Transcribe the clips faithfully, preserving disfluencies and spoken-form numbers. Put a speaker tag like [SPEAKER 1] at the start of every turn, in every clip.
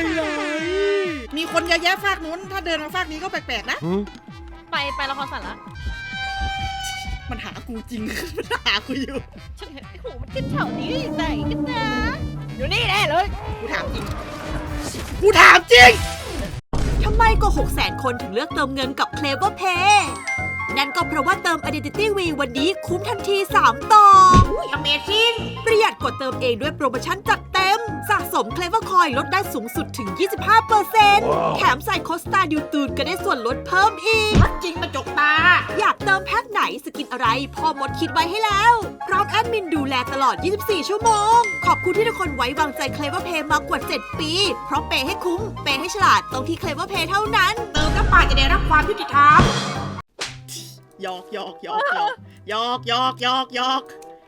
[SPEAKER 1] อะไรมีคนเยอะแยะฝากนู้นถ้าเดินมาฝากนี้ก็แปลกๆนะ
[SPEAKER 2] ไปไปละครสัตว์ละ
[SPEAKER 1] มันหากูจริงมันหากูอยู่
[SPEAKER 2] ฉันเห็นไอ้หูมันขึ้นแถวนี้ไหนกันนะอยู่นี่แน่เลย
[SPEAKER 1] กูถามจริงกูถามจริง
[SPEAKER 3] ทำไมก็หกแสนคนถึงเลือกเติมเงินกับ Clever Pay นั่นก็เพราะว่าเติม Identity V วันนี้คุ้มทันทีสามต่อ
[SPEAKER 1] อุ้ย Amazing
[SPEAKER 3] ประหยัดกว่าเติมเองด้วยโปรโมชั่นจัดเต็มสะสม Clever Coin ลดได้สูงสุดถึง ยี่สิบห้าเปอร์เซ็นต์ แถมใส่โค้ดสตาร์ดิวตูนก็ได้ส่วนลดเพิ่มอีก
[SPEAKER 1] จริงมาจกตา
[SPEAKER 3] อยากเติมแพ็คไหนสกินอะไรพ่อมดคิดไว้ให้แล้วพร้อมแอดมินดูแลตลอด ยี่สิบสี่ ชั่วโมงขอบคุณที่ทุกคนไว้วางใจ Clever Pay มากว่า เจ็ด ปีเพราะเปย์ให้คุ้มเปย์ให้ฉลาดตรงที่ Clever Pay เท่านั้น
[SPEAKER 1] เติมน้ำปลาจะได้รับความยุติธรรมหยอกหยอกหยอกหยอกหยอกหยอกหยอกหยอก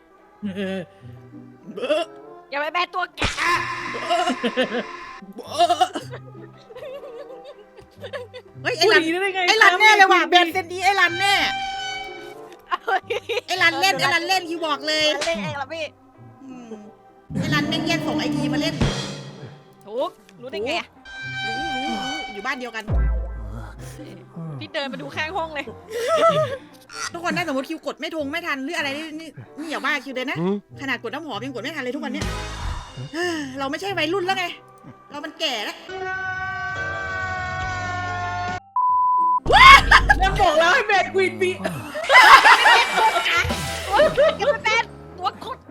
[SPEAKER 1] เบ้อ
[SPEAKER 2] อย่าไปแบตัวแก
[SPEAKER 1] เฮ้ยไอ้รันไอ้รันแน่เลยว่ะแบนเซนดีไอ้รันแน่ไอ้รันเล่นไอ้รันเล่นคีย์บอกเลย
[SPEAKER 2] เล่นเองละพี่
[SPEAKER 1] ไอ้รันแม่งแย่งส่งไอทีมาเล่น
[SPEAKER 2] ถูกรู้ได้ไง
[SPEAKER 1] รู้รู้รู้อยู่บ้านเดียวกัน
[SPEAKER 2] พี่เดินมาดูข้างห้องเลย
[SPEAKER 1] ทุกคนถ้าสมมติคิวกดไม่ทงไม่ทันหรืออะไรนี่นี่นี่อย่าบ้าคิวเลยนะขนาดกดน้ำหอมยังกดไม่ทันเลยทุกวันเนี้ยเราไม่ใช่วัยรุ่นแล้วไงเรามันแก่แล้ว
[SPEAKER 4] ยังบอกแล้วให้แบนควีนบี
[SPEAKER 2] ยังไม่แบนตัวคด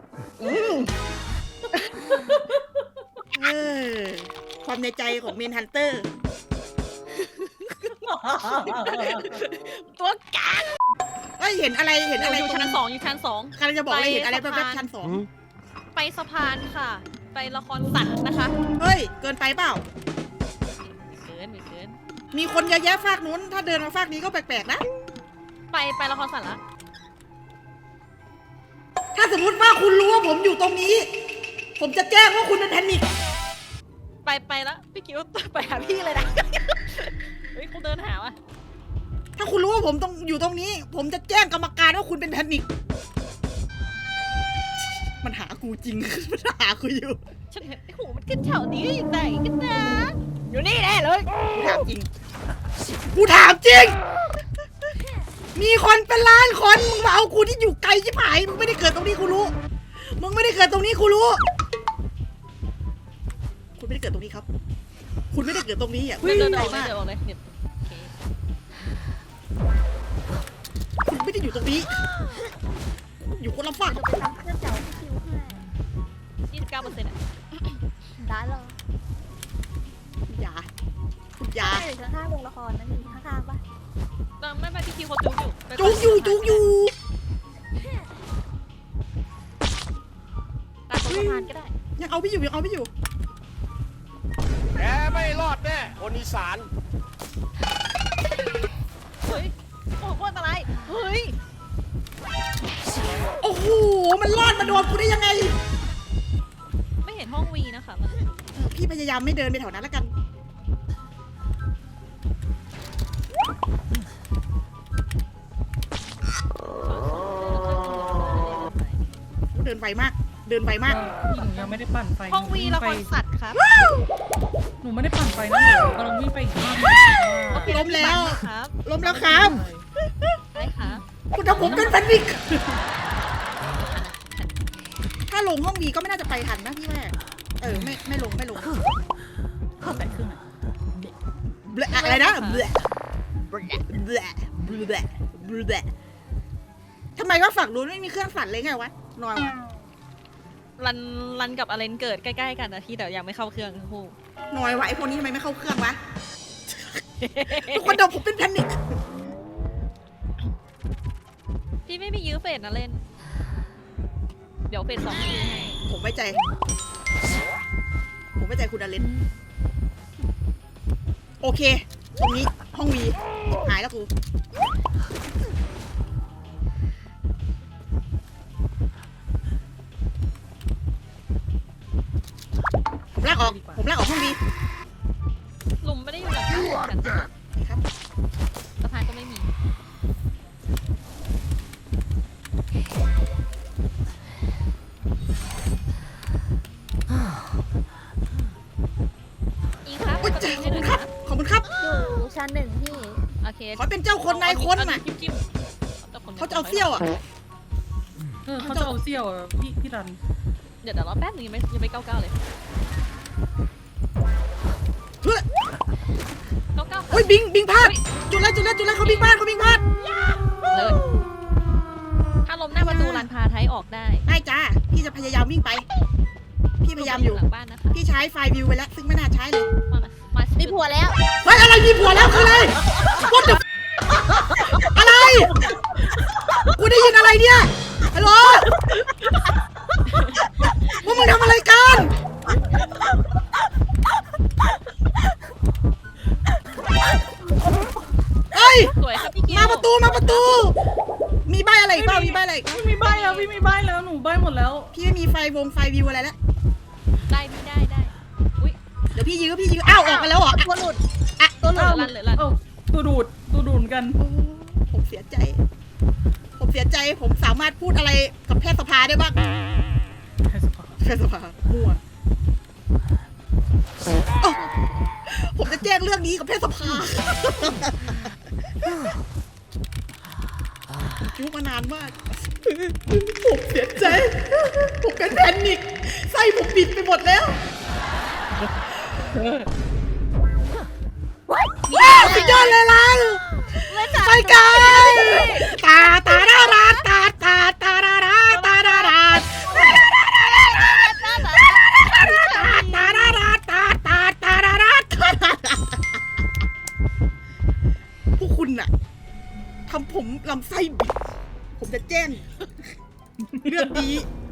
[SPEAKER 1] ความในใจของเมนฮันเตอร์
[SPEAKER 2] ตัวกลาง
[SPEAKER 1] เอ้ยเห็นอะไรเห็นอะไร
[SPEAKER 2] อยู่ชั้นสองอยู่ชั้นสอง
[SPEAKER 1] กำลังจะบอกเลยเห็นอะไรแป๊บๆชั้นสอง
[SPEAKER 2] ไปสะพานค่ะไปละครสัตว์นะคะ
[SPEAKER 1] เฮ้ยเกินไปเปล่า
[SPEAKER 2] เกินไม่เกิน
[SPEAKER 1] มีคนเยอะแยะฝากนู้นถ้าเดินมาฝากนี้ก็แปลกๆนะ
[SPEAKER 2] ไปไปละครสัตว์ละ
[SPEAKER 1] ถ้าสมมติว่าคุณรู้ว่าผมอยู่ตรงนี้ผมจะแจ้งว่าคุณเป็นแพนิค
[SPEAKER 2] ไปไปแล้วพี่คิวไปหาพี่เลยนะเฮ้ยเขาเดินหาว่ะ
[SPEAKER 1] ถ้าคุณรู้ว่าผมต้องอยู่ตรงนี้ผมจะแจ้งกรรมการว่าคุณเป็นแพนิคมันหากูจริงมันหากูอยู่
[SPEAKER 2] ฉันเห็นไอ้หูมันขึ้นแถวนี้ไหนกันนะอยู่นี่แน่เลย
[SPEAKER 1] กูถามจริงกูถามจริงมีคนเป็นล้านคนมึงมาเอากูที่อยู่ไกลชิบหายมึงไม่ได้เกิดตรงนี้กูรู้มึงไม่ได้เกิดตรงนี้กูรู้คุณไม่ได้เกิดตรงนี้ครับคุณไม่ได้เกิดตรงนี้อ่ะ
[SPEAKER 2] เดินออกเลยเดินออกเลยเนี่ย
[SPEAKER 1] คุณไม่ได้อยู่ตรงนี้อยู่คนละฝั่ง
[SPEAKER 5] จะไปทำเครื่องเจาะคิวให้
[SPEAKER 2] ยี่สิบเก้าเปอร์เซ็นต์อ่ะ
[SPEAKER 5] ได้เลย
[SPEAKER 1] คุณยาคุณยา
[SPEAKER 5] อยู่ข้างๆวงละครนั่นเองข้างๆป่ะ
[SPEAKER 2] ไม่ไม่พี่คิวเขาจุกอยู่
[SPEAKER 1] จุกอยู่จุกอยู่
[SPEAKER 2] ตัดสะพานก็ได้
[SPEAKER 1] ยังเอาไม่อยู่ยังเอาไม่อยู่
[SPEAKER 6] แกไม่รอดแน่คนอีสาน
[SPEAKER 2] เฮ้ยโอ้โหอันตรายเฮ้ย
[SPEAKER 1] โอ้โหมันรอดมาโดนกูได้ยังไง
[SPEAKER 2] ไม่เห็นห้องวีนะคะมัน
[SPEAKER 1] พี่พยายามไม่เดินไปแถวนั้นแล้วกันเดินไวมากเดินไวมาก
[SPEAKER 4] หนูยังไม่ได้ปั่นไฟ
[SPEAKER 2] ห้องวีละครสัตว์ครับ
[SPEAKER 4] หนูไม่ได้ปั่นไฟนะหนูกำลังวิ่งไปอีกบ้าน
[SPEAKER 1] ล้มแล้วล้มแล้วครับ
[SPEAKER 2] ใช่ค่ะ
[SPEAKER 1] คุณทำผมเป็นแพนิคถ้าลงห้องวีก็ไม่น่าจะไปทันนะพี่แม่เออไม่ไม่ลงไม่ลง
[SPEAKER 4] แปดครึ่ง
[SPEAKER 1] อะไรนะเบลเบลเบลเบลเบลทำไมว่าฝั่งนู้นไม่มีเครื่องสั่นเลยไงวะนอยวะ
[SPEAKER 2] รันรันกับอเลนเกิดใกล้ๆกันนะที่แต่ยังไม่เข้าเครื่องทั้งคู่
[SPEAKER 1] นอยวะไอพวกนี้ทำไมไม่เข้าเครื่องวะทุกคนเดาผมเป็นแพนิค
[SPEAKER 2] พี่ไม่มียื้อเฟสนะเล่นเดี๋ยวเฟสสองให้
[SPEAKER 1] ผมไว้ใจผมไว้ใจคุณอเลนโอเคตรงนี้ห้องวีหายแล้วกูผมลากออกผมลากออกห้องวี
[SPEAKER 2] หลุมไม่ได้อยู่หลังกัน
[SPEAKER 1] ครับ
[SPEAKER 2] สะพานก็ไม่มีอีก
[SPEAKER 1] จ้ะขอบคุณครับขอบคุณครับ
[SPEAKER 5] อยู่ชั้นหนึ่งพี่
[SPEAKER 2] โอเค
[SPEAKER 1] ขอเป็นเจ้าคนนายคนน่ะ
[SPEAKER 2] จิ้มจิ้มคน
[SPEAKER 1] เขาจะเอาเซี่ยวอ่ะ
[SPEAKER 4] เออเขาจะเอาเซี่ยวอะพี่พี่รัน
[SPEAKER 2] เดี๋ยวเดี๋ยวรอแป๊บนึงยังไม่ยังไม่เก้าเก้าเลย
[SPEAKER 1] เฮ้ย
[SPEAKER 2] เก้าเก้า
[SPEAKER 1] โอ้ยบิงบิงพลาดจุดแล้วจุดแล้วจุดแล้วเขาบิงพลาดเขาบิงพลาด
[SPEAKER 2] เลยถ้าล้มหน้าประตูรันพาไทยออกได้
[SPEAKER 1] ได้จ้าพี่จะพยายามวิ่งไป พี่พยายามอยู่
[SPEAKER 2] หลังบ้านนะคะ
[SPEAKER 1] พี่ใช้ไฟล์วิวไปแล้วซึ่งไม่น่าใช้เลย
[SPEAKER 2] มามามา
[SPEAKER 5] มีผัวแล้ว
[SPEAKER 1] เฮ้ยอะไรมีผัวแล้วคืออะไร What the f- อะไร กูได้ยินอะไรเนี่ยฮัลโหลพวกมึงทำอะไรกันเอ้ย
[SPEAKER 2] สวยครับพี่กิ๊
[SPEAKER 1] มาประตูมาประตู มีใบอะไรอีกเปล่ามีใบอะไรอีก
[SPEAKER 4] พี่มีใบแล้วพี่มีใบแล้วหนูใบหมดแล้ว
[SPEAKER 1] พี่ไม่มีไฟวงไฟวิวอะไรแล้ว
[SPEAKER 2] ได้พี่ได้ได้อุ้ย
[SPEAKER 1] เดี๋ยวพี่ยื้อพี่ยื้ออ้าวออกไปแล้วเหรอ
[SPEAKER 5] ตัวหลุด
[SPEAKER 1] อ่ะ
[SPEAKER 2] ตัวเหลือรันเหลือรัน
[SPEAKER 4] เอ้าตัวดูดตัวดูดเหมือนกัน
[SPEAKER 1] โอ้ผมเสียใจ ผมเสียใจผมสามารถพูดอะไรกับแพทยสภาได้บ้าง
[SPEAKER 4] ให้สภาพ
[SPEAKER 1] แพทยสภามั่วอ้าวผมจะแจ้งเรื่องนี้กับแพทยสภาผมจุกมานานมาก ผมเสียใจ ผมเป็นแพนิคไส้ผมบิดไปหมดแล้วว้าวสุดยอดเลยล่ะไปกันตาตาดาราตาตาตาดาราตาดาราตาดาราตาตาตาดาราพวกคุณน่ะทำผมลำไส้บิด ผมจะแจ้งเรื่องนี้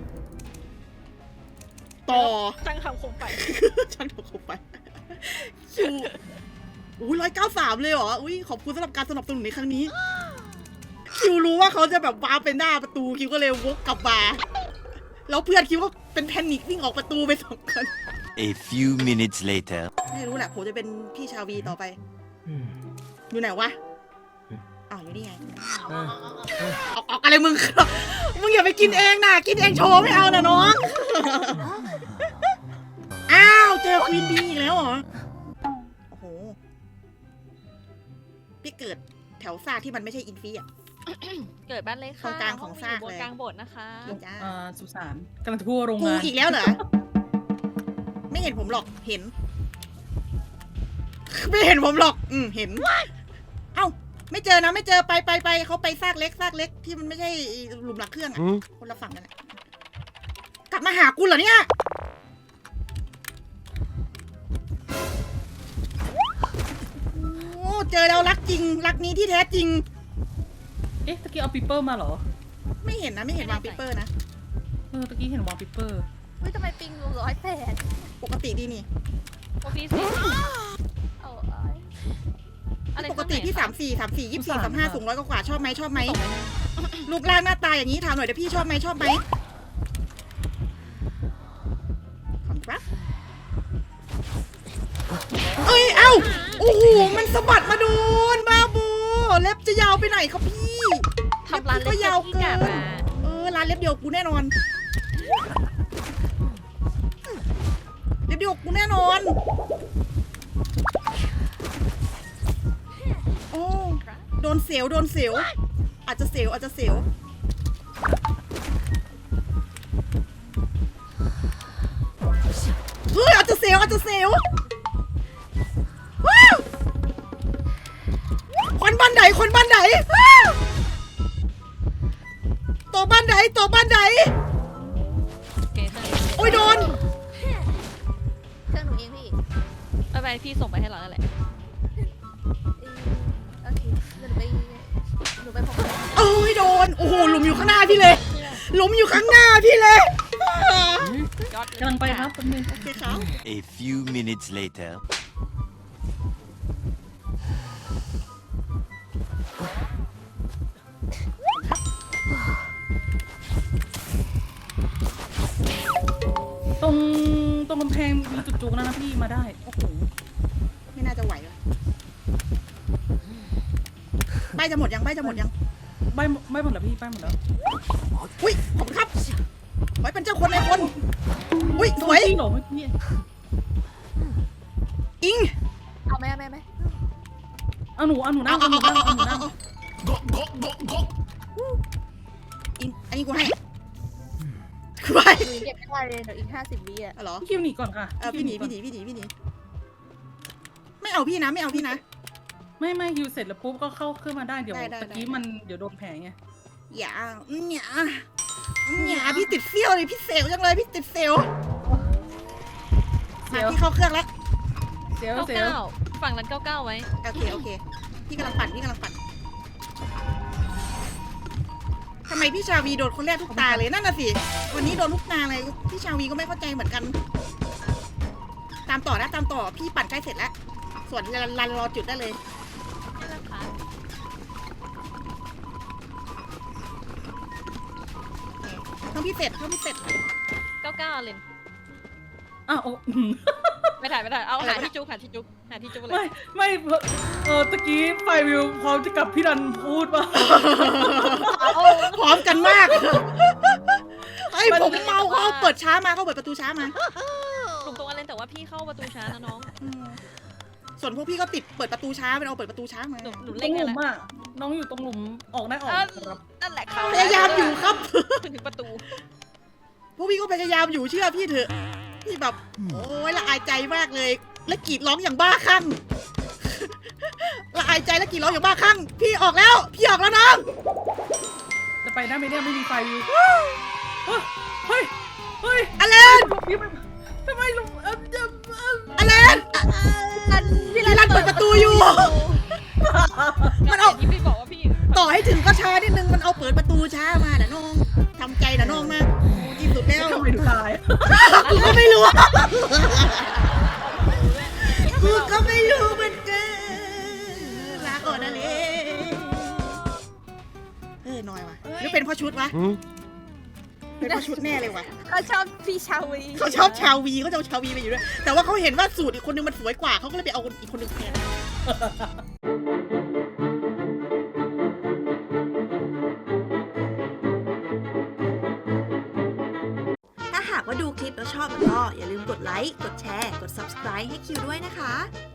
[SPEAKER 1] ต่อ
[SPEAKER 2] ช่างทำโคมไป
[SPEAKER 1] ช่างทำเข้าไปคิวอุ้ยร้อยเก้าสามเลยเหรอ อุ้ยขอบคุณสำหรับการสนับสนุนในครั้งนี้ คิวรู้ว่าเขาจะแบบว้าไปหน้าประตูคิวก็เลยวกกลับมาแล้วเพื่อนคิวก็เป็นแพนิควิ่งออกประตูไปสองคน
[SPEAKER 7] A few minutes later.
[SPEAKER 1] ไม่รู้แหละผมจะเป็นพี่ชาวีต่อไป อยู่ไหนวะอ้าวอยู่นี่ไงออกออกอะไรมึง มึงอย่าไปกินเองนะกินเองโชว์ไม่เอานะน้อง อ้าวเจอควีนบีอีกแล้วเหรอ โอ้โห พี่เกิดแถวซากที่มันไม่ใช่อินฟีอ่ะ
[SPEAKER 2] เกิดบ้านเลยค่ะ
[SPEAKER 1] ตรงกลางของซาก
[SPEAKER 2] บน
[SPEAKER 1] เลย
[SPEAKER 2] กลางโบสถ์นะคะ
[SPEAKER 1] นี่จ้า
[SPEAKER 4] อ่าสุสานกำลังทั่วโรง
[SPEAKER 1] กู
[SPEAKER 4] งาน
[SPEAKER 1] อีกแล้วเหรอ ไม่เห็นผมหรอก เห็น ไม่เห็นผมหรอก อืม เห็น เอ้า ไม่เจอนะ ไม่เจอ ไปไปไปเขาไปซากเล็กซากเล็กที่มันไม่ใช่หลุมหลักเครื่องอะคนละฝั่งกันอะกลับมาหากูเหรอเนี่ย โอ้เจอแล้วรักจริง รักนี้ที่แท้จริง
[SPEAKER 4] เอ๊ะตะกี้เอาปิปเปอร์มาเหรอ
[SPEAKER 1] ไม่เห็นนะ ไม่เห็นวางปิปเปอร์นะ
[SPEAKER 4] เออตะกี้เห็นวางปิปเปอร์
[SPEAKER 5] เฮ้ยทำไมปิงอยู่ร้อยแปด
[SPEAKER 1] ปกติดีนี่
[SPEAKER 2] โอพีสิ
[SPEAKER 5] เอา
[SPEAKER 2] อะไร
[SPEAKER 1] ปกติพี่สามสี่สามสี่ยี่สิบสี่สามห้าสูงร้อยกว่าชอบไหมชอบไหมรูปร่างหน้าตาอย่างนี้ถามหน่อยเดี๋ยวพี่ชอบไหมชอบไหมขอบคุณครับเอ้ยเอ้าโอ้โหมันสะบัดมาโดนบ้าบูเล็บจะยาวไปไหนครับพี่
[SPEAKER 2] ทำร้านเล็
[SPEAKER 1] ก็
[SPEAKER 2] ก
[SPEAKER 1] ยาว
[SPEAKER 2] ที่
[SPEAKER 1] เกิ
[SPEAKER 2] กาน มา
[SPEAKER 1] เออร้านเล็บเดียวกูแน่นอนเล็บเดียวกูแน่นอนโอ้โดนเสียวโดนเสียวอาจจะเสียวอาจจะเสียวเฮ้ยอาจจะเสียวอาจจะเสียวว้าวคนบ้านไหนคนบ้านไหนว้าวตัวบ้านไหนตัวบ้านไหน
[SPEAKER 2] เกเตอร์
[SPEAKER 1] โอ้ยโดน
[SPEAKER 5] เครื่องหนูเองพี่
[SPEAKER 2] ไปไปพี่ส่งไปให้เราแล้วแหละ
[SPEAKER 5] เออโอเคเดี๋ยวหนูไปหนูไปพบกัน
[SPEAKER 1] โอ้ยโดน โอ้โหหลุมอยู่ข้างหน้าพี่เลยหลุมอยู่ข้างหน้าพี่เลย
[SPEAKER 2] ยอดเย
[SPEAKER 4] กำลังไปครับแป๊บนึง
[SPEAKER 1] โอเคครับ
[SPEAKER 7] A few minutes later.
[SPEAKER 4] ตรงตรงกำแพงมีจุดจุกนะนะพี่มาได้
[SPEAKER 1] โอ้โหไม่น่าจะไหวเลยใบจะหมดยังใบจะหมดยัง
[SPEAKER 4] ใบใบหมดแล้วพี่ใบหมดแล้ว
[SPEAKER 1] อุ้ยขอบคุณครับไว้เป็นเจ้าคนในคนอุ้ยสวย
[SPEAKER 4] จริงเหรอเมื่อกี้
[SPEAKER 1] อิง
[SPEAKER 4] เอาหนูเอาหนูนั่
[SPEAKER 1] เอา
[SPEAKER 4] ง
[SPEAKER 1] เอา
[SPEAKER 4] เอาหนู
[SPEAKER 1] เอา
[SPEAKER 4] นั่ง
[SPEAKER 1] เอา
[SPEAKER 4] เอาหนู
[SPEAKER 1] เอา
[SPEAKER 4] นั่ง
[SPEAKER 1] อินอันนี้กูให้กูให้
[SPEAKER 5] หนูเก็บไม่ได้เลยเดี๋ยวอีกห้าสิบวิอ่ะ
[SPEAKER 1] เหรอ
[SPEAKER 4] พี่คิวหนีก่อนค่ะ
[SPEAKER 1] เออพี่หนีพี่หนีพี่หนีพี่หนีไม่เอาพี่นะไม่เอาพี่นะ
[SPEAKER 4] ไม่ไม่คิวเสร็จแล้วปุ๊บก็เข้าขึ้นมาได้เดี๋ยว
[SPEAKER 1] ได้ได้
[SPEAKER 4] ตะกี้
[SPEAKER 1] ได้
[SPEAKER 4] มันเดี๋ยวโดนแผลไง
[SPEAKER 1] อย่าอย่าอย่าพี่ติดเซี่ยวเลยพี่เซลจังเลยพี่ติดเซลมาพี่เข้าเครื่องแล้ว
[SPEAKER 4] เสียว
[SPEAKER 2] เก้า
[SPEAKER 4] เสียว
[SPEAKER 2] เก้าฝั่งนั้นเก้าเก้าไว้
[SPEAKER 1] โอเคโอเคพี่กำลังปั่นพี่กำลังปั่นทำไมพี่ชาวีโดนคนแรกทุกตาเลยนั่นน่ะสิวันนี้โดนทุกตาเลยพี่ชาวีก็ไม่เข้าใจเหมือนกัน ตามต่อนะตามต่อพี่ปั่นใกล้เสร็จแล้ว ส่วนรันรันรอจุดได้เลย
[SPEAKER 2] นี่นะคะ
[SPEAKER 1] เครื่องพี่เสร็จเครื่องพี่เสร็จ
[SPEAKER 2] เก้าเก้าเลน
[SPEAKER 4] อ้าวโอ้
[SPEAKER 2] ไม่ถ่ายไม่ถ่ายเอา
[SPEAKER 1] อะไร
[SPEAKER 2] หาว
[SPEAKER 1] ะ
[SPEAKER 2] ที่จุกหาที่จุกหาที่จุกเล
[SPEAKER 4] ไม่
[SPEAKER 2] ย
[SPEAKER 4] ไม่เออตะกี้ไฟวิวพร้อมจะกับพี่ดันพูดว่า
[SPEAKER 1] พร้อมกันมากไอ้ยผมเมาเขาเปิดช้ามาเขาเปิดประตูช้ามา
[SPEAKER 2] หลุมตรงอะไรแต่ว่าพี่เข้าประตูช้านะน้อง
[SPEAKER 1] อืมส่วนพวกพี่ก็ติดเปิดประตูช้าเป็นเอาเปิดประตูช้ามา
[SPEAKER 2] หนูหนู
[SPEAKER 4] ตร
[SPEAKER 2] เล่น
[SPEAKER 4] งห
[SPEAKER 2] กัน
[SPEAKER 4] ลุม
[SPEAKER 2] แล้ว
[SPEAKER 4] อ่ะน้องอยู่ตรงหลุมออกได้ออก
[SPEAKER 2] อ่ะ
[SPEAKER 4] ครับ
[SPEAKER 2] นั่นแหละเข้า
[SPEAKER 1] พยายามอยู่ครับ
[SPEAKER 2] ถึงประตู
[SPEAKER 1] พวกพี่ก็พยายามอยู่เชื่อพี่เถอะพี่แบบโอ้ยละอายใจมากเลย และกรีดร้องอย่างบ้าคลั่ง ละอายใจและกรีดร้องอย่างบ้าคลั่งพี่ออกแล้ว พี่ออกแล้วน้อง
[SPEAKER 4] จะไปได้ไหมเนี่ยไม่มีไฟวิวเฮ้ยเฮ้ยเฮ้ย
[SPEAKER 1] อเลน
[SPEAKER 4] พี่ไม่ทำไมลุงเออเออเออ
[SPEAKER 1] อเลนพี่รันเปิดประตูอยู่ มันเอา
[SPEAKER 2] ที่พี่บอกว่าพี่
[SPEAKER 1] ต่อให้ถึงก็ช้านิดนึงมันเอาเปิดประตูช้ามาน่ะน้องทำใจน่ะน้องมากโอ้ที่สุดแล้ว
[SPEAKER 4] ทำไมถึงตาย
[SPEAKER 1] กูก็ไม่รู้กูก็ไม่รู้เหมือนกันลาก่อนนะเลยเออน้อยว่ะหรือเป็นเพราะชุดวะเป็นเพราะชุดแน่เลยว่ะ
[SPEAKER 5] เขาชอบพี่ชาวี
[SPEAKER 1] เขาชอบชาววีเขาจะเอาชาววีไปอยู่ด้วยแต่ว่าเขาเห็นว่าสูตรอีกคนนึงมันสวยกว่าเขาก็เลยไปเอาอีกคนนึงแทน
[SPEAKER 3] ถ้าหากว่าดูคลิปแล้วชอบแล้วก็อย่าลืมกดไลค์ กดแชร์ กด ซับสไครบ์ ให้คิวด้วยนะคะ